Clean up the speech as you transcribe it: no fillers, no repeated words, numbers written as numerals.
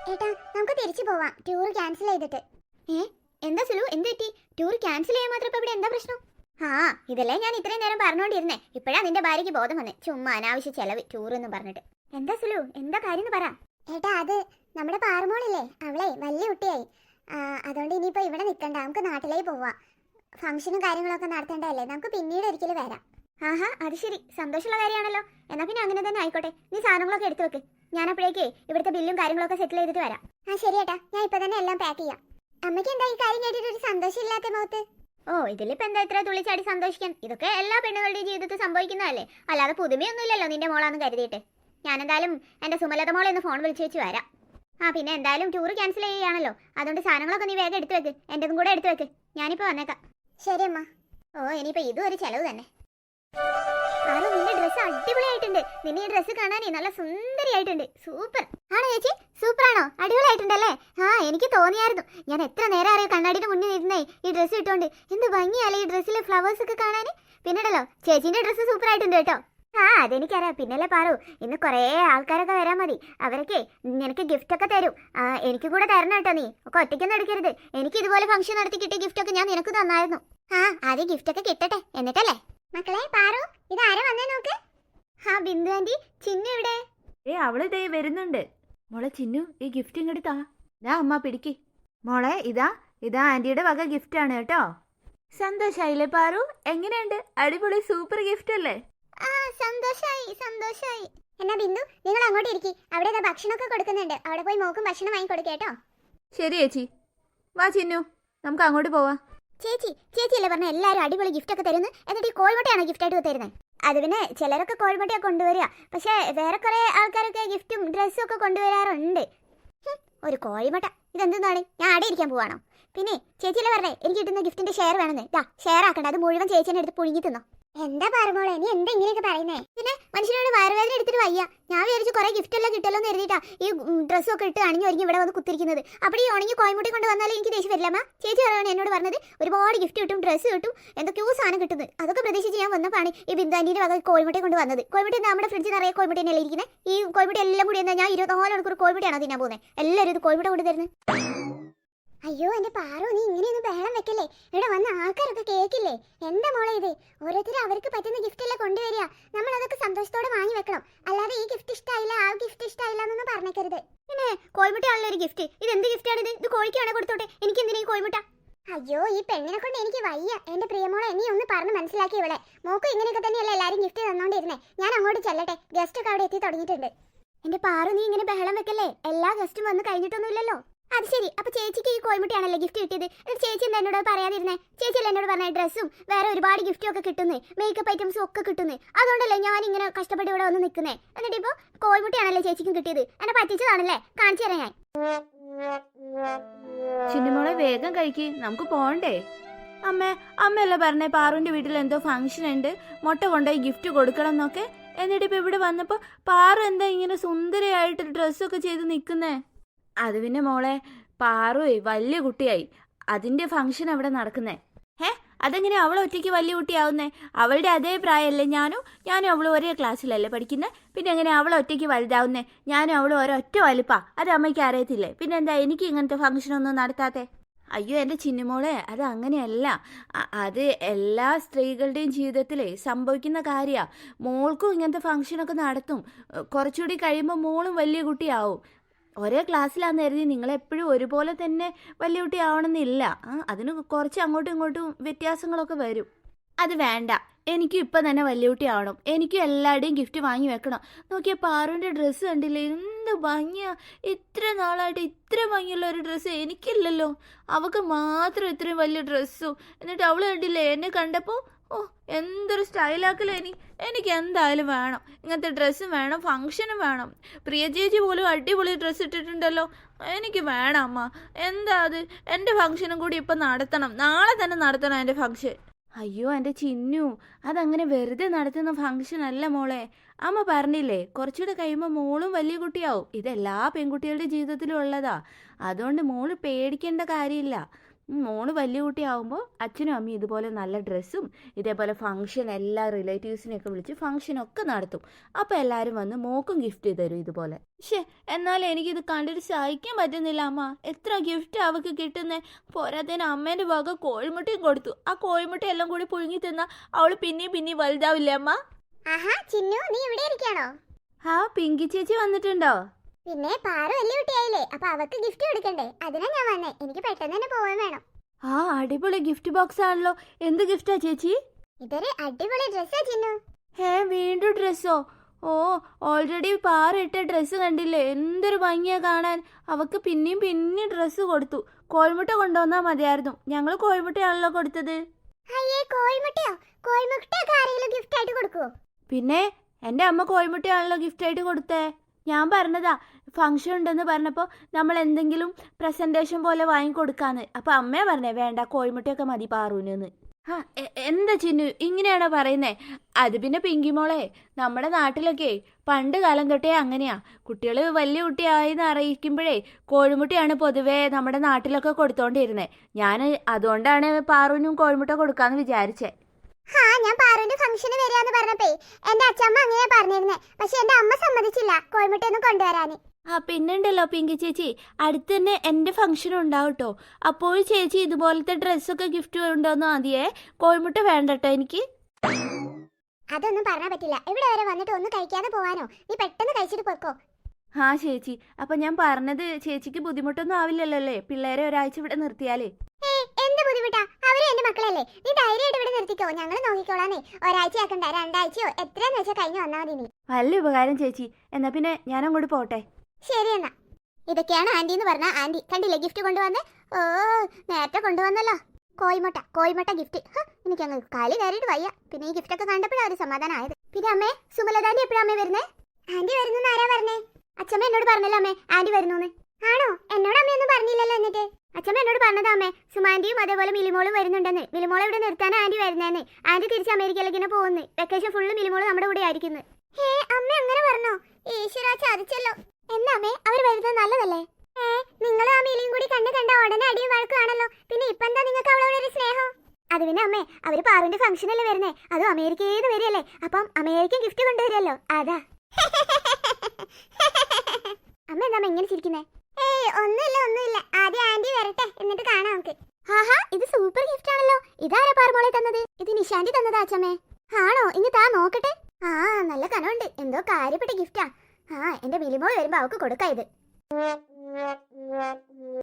ഏട്ടാ നമുക്ക് തിരിച്ചു പോവാം ടൂർ ക്യാൻസൽ ചെയ്തിട്ട്. ഏ എന്താ സുലു, എന്ത് പറ്റി? ടൂർ ക്യാൻസൽ ചെയ്യാൻ മാത്രം ഇപ്പൊ ഇവിടെ എന്താ പ്രശ്നം? ആ ഇതല്ലേ ഞാൻ ഇത്രയും നേരം പറഞ്ഞോണ്ടിരുന്നേ. ഇപ്പഴാ നിന്റെ ഭാര്യയ്ക്ക് ബോധം വന്നേ. ചുമ്മാ അനാവശ്യ ചെലവ് ടൂർ എന്ന് പറഞ്ഞിട്ട്. എന്താ സുലു, എന്താ കാര്യം പറ. ഏട്ടാ അത് നമ്മുടെ പാറമോളില്ലേ, അവളെ വലിയ കുട്ടിയായി. അതുകൊണ്ട് ഇനിയിപ്പോ ഇവിടെ നിൽക്കണ്ട, നമുക്ക് നാട്ടിലേക്ക് പോവാം. ഫംഗ്ഷനും കാര്യങ്ങളൊക്കെ നടത്തേണ്ടതല്ലേ, നമുക്ക് പിന്നീട് ഒരിക്കലും വരാം. ആഹാ അത് ശരി, സന്തോഷമുള്ള കാര്യമാണല്ലോ. എന്നാ പിന്നെ അങ്ങനെ തന്നെ ആയിക്കോട്ടെ. നീ സാധനങ്ങളൊക്കെ എടുത്തു വെക്ക്. ഞാൻ അപ്പോഴേക്കേ ഇവിടുത്തെ ബില്ലും കാര്യങ്ങളൊക്കെ സെറ്റിൽ ചെയ്തിട്ട് വരാം. ആ ശരി ഏട്ടാ, ഞാൻ ഇപ്പൊ തന്നെ എല്ലാം പാക്ക് ചെയ്യാം. അമ്മയ്ക്ക് എന്താ ഈ കാര്യം കേട്ടിട്ട് ഒരു സന്തോഷം ഇല്ലാത്ത മുഖത്ത്? ഓ ഇതിലിപ്പോ എന്താ ഇത്ര തുള്ളിച്ചാടി സന്തോഷിക്കാൻ? ഇതൊക്കെ എല്ലാ പെണ്ണുകളുടെയും ജീവിതത്തിൽ സംഭവിക്കുന്നതല്ലേ, അല്ലാതെ പുതുമയൊന്നുമില്ലല്ലോ നിന്റെ മോളാന്ന് കരുതിയിട്ട്. ഞാനെന്തായാലും എന്റെ സുമലത മോളെ ഒന്ന് ഫോൺ വിളിച്ചു വെച്ച് വരാം. ആ പിന്നെ എന്തായാലും ടൂർ ക്യാൻസൽ ചെയ്യുകയാണല്ലോ, അതുകൊണ്ട് സാധനങ്ങളൊക്കെ നീ വേഗം എടുത്തു വെക്ക്. എന്റെതും കൂടെ എടുത്തു വെക്ക്, ഞാനിപ്പോ വന്നേക്കാം. ശരി അമ്മ. ഓ ഇനിയിപ്പോ ഇതും ഒരു ചെലവ് തന്നെ. ആരോ നിന്റെ ഡ്രസ്സ് അടിപൊളിയായിട്ടുണ്ട്. നിന്നെ ഈ ഡ്രസ്സ് കാണാനേ നല്ല സുന്ദരിയായിട്ടുണ്ട്. സൂപ്പർ ആണോ ചേച്ചി? സൂപ്പർ ആണോ? അടിപൊളിയായിട്ടുണ്ടല്ലേ? ആ എനിക്ക് തോന്നിയായിരുന്നു. ഞാൻ എത്ര നേരം അറിയാം കണ്ണാടിയുടെ മുന്നിൽ ഇരുന്നേ ഈ ഡ്രസ്സ് ഇട്ടോണ്ട്. എന്ത് ഭംഗിയല്ലേ ഈ ഡ്രസ്സിലെ ഫ്ലവേഴ്സ് ഒക്കെ കാണാൻ. പിന്നീടല്ലോ ചേച്ചിന്റെ ഡ്രസ്സ് സൂപ്പർ ആയിട്ടുണ്ട് കേട്ടോ. ആ അതെനിക്കറിയാം. പിന്നല്ലേ പാറു, ഇന്ന് കുറേ ആൾക്കാരൊക്കെ വരാൻ മതി. അവരൊക്കെ നിനക്ക് ഗിഫ്റ്റ് ഒക്കെ തരും. എനിക്ക് കൂടെ തരണം കേട്ടോ. നീ ഒക്കെ ഒറ്റയ്ക്കൊന്നും എടുക്കരുത്. എനിക്ക് ഇതുപോലെ ഫംഗ്ഷൻ നടത്തി കിട്ടിയ ഗിഫ്റ്റ് ഒക്കെ ഞാൻ നിനക്ക് തന്നായിരുന്നു. ആ ആദ്യം ഗിഫ്റ്റ് ഒക്കെ കിട്ടട്ടെ എന്നിട്ടല്ലേ. മക്കളെ പാറു, ഇതാരാ വന്നേ നോക്ക്. ആ ബിന്ദു ആന്റി, ചിന്നു എവിടെ? അവള് ദേ വരുന്നുണ്ട്. മോളെ ചിന്നു, ഈ ഗിഫ്റ്റ് ഇങ്ങോട്ട് താ. അമ്മ പിടിക്ക്. മോളെ ഇതാ ഇതാ ആന്റിയുടെ വക ഗിഫ്റ്റ് ആണ് കേട്ടോ. സന്തോഷായില്ലേ പാറു? എങ്ങനെയുണ്ട്? അടിപൊളി സൂപ്പർ ഗിഫ്റ്റ് അല്ലേ? ആ സന്തോഷായി സന്തോഷായി. എന്നാ ബിന്ദു നിങ്ങൾ അങ്ങോട്ട് ഇരിക്കി. അവിടെ ഇതാ ഭക്ഷണമൊക്കെ കൊടുക്കുന്നുണ്ട്. അവിടെ പോയി മോക്കും ഭക്ഷണം വാങ്ങി കൊടുക്കേട്ടോ. ശരി ചേച്ചി. വാ ചിന്നു, നമുക്ക് അങ്ങോട്ട് പോവാം. ചേച്ചിയല്ലേ പറഞ്ഞ എല്ലാവരും അടിപൊളി ഗിഫ്റ്റ് ഒക്കെ തരുന്നു. എന്നിട്ട് ഈ കോഴിമുട്ടയാണോ ഗിഫ്റ്റ് ആയിട്ട് തരുന്നത്? അത് പിന്നെ ചിലരൊക്കെ കോഴിമുട്ടയൊക്കെ കൊണ്ടുവരിക, പക്ഷെ വേറെ കുറെ ആൾക്കാരൊക്കെ ഗിഫ്റ്റും ഡ്രസ്സും ഒക്കെ കൊണ്ടുവരാറുണ്ട്. ഒരു കോഴിമുട്ട ഇതെന്താണ്? ഞാൻ ആടെ ഇരിക്കാൻ പോവാണോ? പിന്നെ ചേച്ചിയല്ലേ പറഞ്ഞേ എനിക്ക് കിട്ടുന്ന ഗിഫ്റ്റിന്റെ ഷെയർ വേണമെന്ന്. ഷെയർ ആക്കണ്ട, അത് മുഴുവൻ ചേച്ചിനെ എടുത്ത് പുഴുങ്ങി തിന്നോ. എന്താ പറഞ്ഞോളെ, നീ എന്താ ഇങ്ങനെയൊക്കെ പറയുന്നേ? പിന്നെ മനുഷ്യനോട് വയറുവേദന എടുത്തിട്ട് വയ്യ. ഞാൻ വിചാരിച്ചു കുറെ ഗിഫ്റ്റ് എല്ലാം കിട്ടല്ലോ എന്ന് കരുതിയിട്ടാ ഈ ഡ്രസ്സൊക്കെ ഇട്ട് അണിഞ്ഞു ഒരുങ്ങി ഇവിടെ വന്ന് കുത്തിരിക്കുന്നത്. അപ്പോൾ ഈ ഉണങ്ങി കോയമുട്ടി കൊണ്ട് വന്നാലും എനിക്ക് ദേഷ്യം വരില്ലമ്മ. ചേച്ചി പറയാണ് എന്നോട് പറഞ്ഞത് ഒരുപാട് ഗിഫ്റ്റ് കിട്ടും, ഡ്രസ്സ് കിട്ടും, എന്തൊക്കെയോ സാധനം കിട്ടുന്നത്. അതൊക്കെ പ്രതീക്ഷിച്ച് ഞാൻ വന്നപ്പോഴാണ് ഈ ബിന്ദുവിന്റെ വക കോയമുട്ടി കൊണ്ട് വന്നത്. കോയമുട്ടി നമ്മുടെ ഫ്രിഡ്ജിൽ നിറയെ കോയമുട്ടി തന്നെയല്ലേ ഇരിക്കുന്നത്. ഈ കോയമുട്ടി എല്ലാം കൂടി എന്താ ഞാൻ 24 മണിക്കൂർ കോയമുട്ടിയാണോ തിന്നാൻ പോകുന്നത്? എല്ലാവരും ഇത് കോയമുട്ട കൊണ്ട് തരുന്നത്. അയ്യോ എന്റെ പാറു, നീ ഇങ്ങനെയൊന്നും ബഹളം വെക്കല്ലേ. ഇവിടെ വന്ന ആൾക്കാരൊക്കെ കേൾക്കില്ലേ? എന്താ മോളെ ഇത്? ഓരോരുത്തരും അവർക്ക് പറ്റുന്ന ഗിഫ്റ്റ് എല്ലാം കൊണ്ടുവരിക. നമ്മൾ അതൊക്കെ സന്തോഷത്തോടെ വാങ്ങി വെക്കണം. അല്ലാതെ ഈ ഗിഫ്റ്റ് ഇഷ്ടമായില്ല ആ ഗിഫ്റ്റ് ഇഷ്ടമായില്ല എന്നൊന്നും പറഞ്ഞേക്കരുത്. പിന്നെ കോഴിമുട്ടയാണല്ലോ ഒരു ഗിഫ്റ്റ്. ഇത് എന്ത് ഗിഫ്റ്റാണ് ഇത്? ഇത് കോഴിക്കാണെ കൊടുത്തോട്ടെ, എനിക്ക് എന്തിനാ ഈ കോഴിമുട്ട? അയ്യോ ഈ പെണ്ണിനെ കൊണ്ട് എനിക്ക് വയ്യ. എന്റെ പ്രിയമോളെ നീ ഒന്ന് പറഞ്ഞ് മനസ്സിലാക്കി. ഇവിടെ മോക്കും ഇങ്ങനെയൊക്കെ തന്നെയല്ലേ എല്ലാവരും ഗിഫ്റ്റ് തന്നോണ്ടിരുന്നേ. ഞാൻ അങ്ങോട്ട് ചെല്ലട്ടെ, ഗസ്റ്റ് ഒക്കെ അവിടെ എത്തി തുടങ്ങിയിട്ടുണ്ട്. എന്റെ പാറു നീ ഇങ്ങനെ ബഹളം വെക്കല്ലേ. എല്ലാ ഗസ്റ്റും വന്ന് കഴിഞ്ഞിട്ടൊന്നുമില്ലല്ലോ. അത് ശരി, അപ്പൊ ചേച്ചിക്ക് ഈ കോഴിമുട്ടയാണല്ലോ ഗിഫ്റ്റ് കിട്ടിയത്. എന്നിട്ട് ചേച്ചി എന്താ എന്നോട് പറയാതിരുന്നേ? ചേച്ചിയല്ലേ എന്നോട് പറഞ്ഞ ഡ്രസ്സും വേറെ ഒരുപാട് ഗിഫ്റ്റും ഒക്കെ കിട്ടുന്നേ, മേക്കപ്പ് ഐറ്റംസും ഒക്കെ കിട്ടുന്നേ. അതുകൊണ്ടല്ലേ ഞാൻ ഇങ്ങനെ കഷ്ടപ്പെട്ട് ഇവിടെ വന്ന് നിൽക്കുന്നേ. എന്നിട്ട് ഇപ്പൊ കോഴിമുട്ടയാണല്ലോ ചേച്ചിക്കും കിട്ടിയത്. എന്നെ പറ്റിച്ചതാണല്ലേ? കാണിച്ചു തരാം ഞാൻ. ചിന്നുമോളെ വേഗം കഴിക്ക്, നമുക്ക് പോണ്ടേ. അമ്മയല്ലേ പറഞ്ഞേ പാറുവിന്റെ വീട്ടിൽ എന്തോ ഫംഗ്ഷൻ ഉണ്ട്, മുട്ട കൊണ്ടുപോയി ഗിഫ്റ്റ് കൊടുക്കണം എന്നൊക്കെ. എന്നിട്ട് ഇപ്പൊ ഇവിടെ വന്നപ്പോ പാറു എന്താ ഇങ്ങനെ സുന്ദരിയായിട്ട് ഡ്രസ്സൊക്കെ ചെയ്ത് നിൽക്കുന്നേ? അത് പിന്നെ മോളെ പാറു വലിയ കുട്ടിയായി, അതിന്റെ ഫംഗ്ഷൻ അവിടെ നടക്കുന്നേ. അതെങ്ങനെ അവൾ ഒറ്റയ്ക്ക് വലിയ കുട്ടിയാവുന്നേ? അവളുടെ അതേ പ്രായമല്ലേ ഞാനും അവളും ഒരേ ക്ലാസ്സിലല്ലേ പഠിക്കുന്നത്. പിന്നെ എങ്ങനെ അവൾ ഒറ്റയ്ക്ക് വലുതാവുന്നേ? ഞാനും അവളും ഒരൊറ്റ വലിപ്പാ. അത് അമ്മയ്ക്ക് അറിയത്തില്ലേ? പിന്നെ എന്താ എനിക്ക് ഇങ്ങനത്തെ ഫംഗ്ഷനൊന്നും നടത്താത്തെ? അയ്യോ എൻ്റെ ചിന്നുമോളെ, അത് അങ്ങനെയല്ല. അത് എല്ലാ സ്ത്രീകളുടെയും ജീവിതത്തിലേ സംഭവിക്കുന്ന കാര്യമാണ്. മോൾക്കും ഇങ്ങനത്തെ ഫംഗ്ഷനൊക്കെ നടത്തും. കുറച്ചുകൂടി കഴിയുമ്പോൾ മോളും വലിയ കുട്ടിയാവും. ഒരേ ക്ലാസ്സിലാന്ന് കരുതി നിങ്ങളെപ്പോഴും ഒരുപോലെ തന്നെ വലിയ കുട്ടി ആവണമെന്നില്ല. അതിന് കുറച്ച് അങ്ങോട്ടും ഇങ്ങോട്ടും വ്യത്യാസങ്ങളൊക്കെ വരും. അത് വേണ്ട, എനിക്കും ഇപ്പം തന്നെ വലിയ കുട്ടി ആവണം. എനിക്കും എല്ലാവരുടെയും ഗിഫ്റ്റ് വാങ്ങി വെക്കണം. നോക്കിയ പാറുവിൻ്റെ ഡ്രസ്സ് കണ്ടില്ലേ, എന്ത് ഭംഗിയാ. ഇത്ര നാളായിട്ട് ഇത്ര ഭംഗിയുള്ള ഒരു ഡ്രസ്സ് എനിക്കില്ലല്ലോ. അവൾക്ക് മാത്രം ഇത്രയും വലിയ ഡ്രസ്സും. എന്നിട്ട് അവൾ കണ്ടില്ലേ എന്നെ കണ്ടപ്പോൾ, ഓ എന്തൊരു സ്റ്റൈലാക്കലോ. എനിക്ക് എന്തായാലും വേണം, ഇങ്ങനത്തെ ഡ്രസ്സും വേണം, ഫംഗ്ഷനും വേണം. പ്രിയ ചേച്ചി പോലും അടിപൊളി ഡ്രസ്സ് ഇട്ടിട്ടുണ്ടല്ലോ. എനിക്ക് വേണം അമ്മ. എന്താ അത്? എൻ്റെ ഫംഗ്ഷനും കൂടി ഇപ്പം നടത്തണം, നാളെ തന്നെ നടത്തണം എൻ്റെ ഫംഗ്ഷൻ. അയ്യോ എൻ്റെ ചിന്നു, അതങ്ങനെ വെറുതെ നടത്തുന്ന ഫംഗ്ഷൻ അല്ല മോളെ. അമ്മ പറഞ്ഞില്ലേ കുറച്ചുകൂടെ കഴിയുമ്പോൾ മോളും വലിയ കുട്ടിയാവും. ഇതെല്ലാ പെൺകുട്ടികളുടെ ജീവിതത്തിലും ഉള്ളതാ. അതുകൊണ്ട് മോള് പേടിക്കേണ്ട കാര്യമില്ല. മോള് വലിയ കുട്ടിയാവുമ്പോൾ അച്ഛനും അമ്മയും ഇതുപോലെ നല്ല ഡ്രസ്സും ഇതേപോലെ ഫംഗ്ഷൻ എല്ലാ റിലേറ്റീവ്സിനെയൊക്കെ വിളിച്ച് ഫംഗ്ഷനൊക്കെ നടത്തും. അപ്പോൾ എല്ലാവരും വന്ന് മോക്കും ഗിഫ്റ്റ് തരും ഇതുപോലെ. പക്ഷേ എന്നാൽ എനിക്കിത് കണ്ടിട്ട് സഹിക്കാൻ പറ്റുന്നില്ല അമ്മ. എത്ര ഗിഫ്റ്റ് അവൾക്ക് കിട്ടുന്നേ. പോരാത്തതിന് അമ്മേൻ്റെ വക കോഴിമുട്ടയും കൊടുത്തു. ആ കോഴിമുട്ട എല്ലാം കൂടി പുഴുങ്ങി തിന്നാൽ അവൾ പിന്നെയും വലുതാവില്ലേ അമ്മ? ആഹാ ചിന്നു, നീ ഇവിടെ ഇരിക്കാണോ? ആ പിങ്കി ചേച്ചി വന്നിട്ടുണ്ടോ? പിന്നെ പാറു വലിയ കുട്ടിയായില്ലേ, അപ്പൊ അവക്ക് ഗിഫ്റ്റ് കൊടുക്കണ്ടേ, അതിനാ ഞാൻ വന്നേ. എനിക്ക് പെട്ടെന്ന് തന്നെ പോവാൻ വേണം. ആ അടിപൊളി ഗിഫ്റ്റ് ബോക്സ് ആണല്ലോ. എന്ത് ഗിഫ്റ്റാ ചേച്ചി? ഇതൊരു അടിപൊളി ഡ്രസ്സാ ചിന്നു. വീണ്ടും ഡ്രസ്സോ? ഓ, ഓൾറെഡി പാറിട്ട ഡ്രസ്സ് കണ്ടില്ലേ, എന്തൊരു ഭംഗിയാ കാണാൻ. അവക്ക് പിന്നെയും ഡ്രസ്സ് കൊടുത്തു. കോഴിമുട്ട കൊണ്ടുവന്നാ മതിയായിരുന്നു. ഞങ്ങൾ കോഴിമുട്ടയാണല്ലോ കൊടുത്തത്. അയ്യേ, കോഴിമുട്ടയോ? കോഴിമുട്ടയൊക്കെ ആരെങ്കിലും ഗിഫ്റ്റ് ആയിട്ട് കൊടുക്കുവോ? പിന്നെ എൻ്റെ അമ്മ കോഴിമുട്ടയാണല്ലോ ഗിഫ്റ്റായിട്ട് കൊടുത്തേ. ഞാൻ പറഞ്ഞതാ, ഫംഗ്ഷൻ ഉണ്ടെന്ന് പറഞ്ഞപ്പോൾ നമ്മൾ എന്തെങ്കിലും പ്രസൻറ്റേഷൻ പോലെ വാങ്ങിക്കൊടുക്കാന്ന്. അപ്പോൾ അമ്മയെ പറഞ്ഞേ വേണ്ട, കോഴിമുട്ടയൊക്കെ മതി പാറൂനെന്ന്. എന്താ ചിന്നു ഇങ്ങനെയാണോ പറയുന്നേ? അത് പിന്നെ പിങ്കി മോളെ, നമ്മുടെ നാട്ടിലൊക്കെ പണ്ട് കാലം തൊട്ടേ അങ്ങനെയാ. കുട്ടികൾ വലിയ കുട്ടിയായെന്ന് അറിയിക്കുമ്പോഴേ കോഴിമുട്ടയാണ് പൊതുവേ നമ്മുടെ നാട്ടിലൊക്കെ കൊടുത്തോണ്ടിരുന്നത്. ഞാൻ അതുകൊണ്ടാണ് പാറൂനും കോഴിമുട്ട കൊടുക്കാന്ന് വിചാരിച്ചേ. ഞാൻ പാറുവിന്റെ ഫംഗ്ഷന് വരാന്ന് പറഞ്ഞപ്പേ എന്റെ അച്ഛമ്മ അങ്ങനെയാ പറഞ്ഞിരുന്നേ. പക്ഷെ എന്റെ അമ്മ സമ്മതിച്ചില്ല കോഴിമുട്ടയൊന്നും കൊണ്ടുവരാന്. പിന്നുണ്ടല്ലോ പിങ്കി ചേച്ചി, അടുത്ത് തന്നെ എൻ്റെ ഫംഗ്ഷൻ ഉണ്ടാവും കേട്ടോ. അപ്പോൾ ചേച്ചി ഇതുപോലത്തെ ഡ്രസ്സൊക്കെ ഗിഫ്റ്റ് കൊണ്ടുവന്നു മതിയേ. കോഴിമുട്ട വേണ്ട കേട്ടോ എനിക്ക്. അതൊന്നും പറഞ്ഞാൽ പറ്റില്ല. ഇവിടെ വരെ വന്നിട്ട് ഒന്നും കഴിക്കാതെ പോവാനോ? നീ പെട്ടെന്ന് കഴിച്ചിട്ട് പോക്കോ. ചേച്ചി, അപ്പൊ ഞാൻ പറഞ്ഞത് ചേച്ചിക്ക് ബുദ്ധിമുട്ടൊന്നും ആവില്ലല്ലോ അല്ലേ പിള്ളേരെ ഒരാഴ്ച ഇവിടെ നിർത്തിയാലേ? എന്ത് ബുദ്ധിമുട്ടാ? അവരും എന്റെ മക്കളല്ലേ. നീ ധൈര്യമായിട്ട് ഇവിടെ നിർത്തിക്കോ, ഞങ്ങൾ നോക്കിക്കോളാന്നേ. ഒരാഴ്ച ആക്കണ്ട, 2 ആഴ്ചയോ എത്രയെന്ന് വെച്ചാൽ കഴിഞ്ഞു വന്നാൽ മതി. നീ വലിയ ഉപകാരം ചേച്ചി. എന്നാ പിന്നെ ഞാൻ അങ്ങോട്ട് പോട്ടെ. ശരി എന്നാ. ഇതൊക്കെയാണ് ആന്റി എന്ന് പറഞ്ഞ ആന്റി. കണ്ടില്ലേ ഗിഫ്റ്റ് കൊണ്ടുവന്നേ? ഓ, നേരത്തെ കൊണ്ടുവന്നല്ലോ കോഴിമുട്ട ഗിഫ്റ്റ്. എനിക്കങ്ങ് കാലി കയറിയിട്ട് വയ്യ. പിന്നെ ഈ ഗിഫ്റ്റ് ഒക്കെ കണ്ടപ്പോഴാണ് ഒരു സമാധാനമായത്. പിന്നെ അമ്മേ, സുമലതാന്റി എപ്പോഴാ അമ്മേ വരുന്നേ? ആന്റി വരുന്നു ആരാ പറഞ്ഞേ? അച്ഛമ്മ എന്നോട് പറഞ്ഞല്ലോ അമ്മേ ആന്റി വരുന്നു. ആണോ? എന്നോട് അമ്മയൊന്നും പറഞ്ഞില്ലല്ലോ. എന്നിട്ട് അച്ഛമ്മ എന്നോട് പറഞ്ഞതാ അമ്മേ, സുമാന്റിയും അതേപോലെ മിലിമോളും വരുന്നുണ്ടെന്ന്. മിലിമോളെ ഇവിടെ നിർത്താൻ ആന്റി വരുന്നേന്ന്. ആന്റി തിരിച്ച് അമേരിക്കയിലേക്ക് പോകുന്നു. വെക്കേഷൻ ഫുള്ള് മിലിമോള് നമ്മുടെ കൂടെ ആയിരിക്കുന്നു. അമ്മ അങ്ങനെ പറഞ്ഞോ? ഈശ്വരാ, ചതിച്ചല്ലോ. എന്നാ അമ്മേ, അവർ വരുന്നത് നല്ലതല്ലേ? നിങ്ങളും ആ മിലിയും കൂടി കണ്ട ഉടനെ അടിയും വഴക്കാണല്ലോ. പിന്നെ ഇപ്പൊ എന്താ നിങ്ങൾക്ക് അവളോട് ഒരു സ്നേഹം? അത് പിന്നെ അമ്മേ, അവര് പാറിന്റെ ഫംഗ്ഷനല്ലേ വരുന്നേ, അതും അമേരിക്കയിൽ നിന്ന് വരികയല്ലേ. അപ്പം അമേരിക്കൻ ഗിഫ്റ്റ് കൊണ്ടുവരുമല്ലോ, അതാ. അമ്മ എന്താ ഇങ്ങനെ ചിരിക്കുന്നേ? ഒന്നുമില്ല. ആദ്യം ആന്റി വരട്ടെ, എന്നിട്ട് കാണാം നമുക്ക്. ഇത് സൂപ്പർ ഗിഫ്റ്റ് ആണല്ലോ. ഇതാരാ പാറുമോളെ തന്നത്? ഇത് നിശാന്തി തന്നതാ അച്ഛമ്മേ. ആണോ? ഇനി താ നോക്കട്ടെ. നല്ല കനമുണ്ട്. എന്തോ കാര്യപ്പെട്ട ഗിഫ്റ്റാ. എന്റെ മിലിമോൾ വരുമ്പോ അവക്ക് കൊടുക്കാം ഇത്.